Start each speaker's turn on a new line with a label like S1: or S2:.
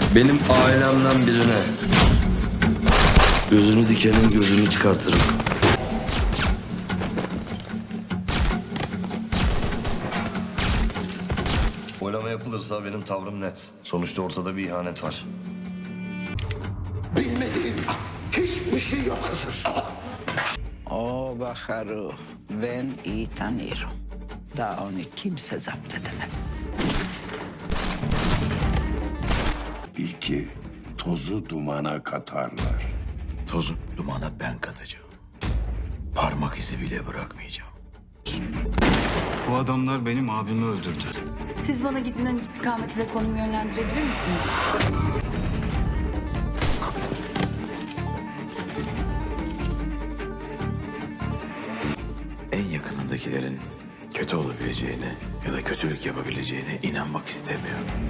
S1: Benim ailemden birine gözünü dikenin gözünü çıkartırım. Oylama yapılırsa benim tavrım net. Sonuçta ortada bir ihanet var.
S2: Bilmediğim hiçbir şey yok Hızır.
S3: O Bahar'ı ben iyi tanıyorum. Daha onu kimse zapt edemez.
S2: Bil ki tozu dumana katarlar.
S4: Tozu dumana ben katacağım. Parmak izi bile bırakmayacağım.
S5: Bu adamlar benim abimi öldürdü.
S6: Siz bana gidilen istikameti ve konumu yönlendirebilir misiniz?
S4: En yakınındakilerin kötü olabileceğine ya da kötülük yapabileceğine inanmak istemiyorum.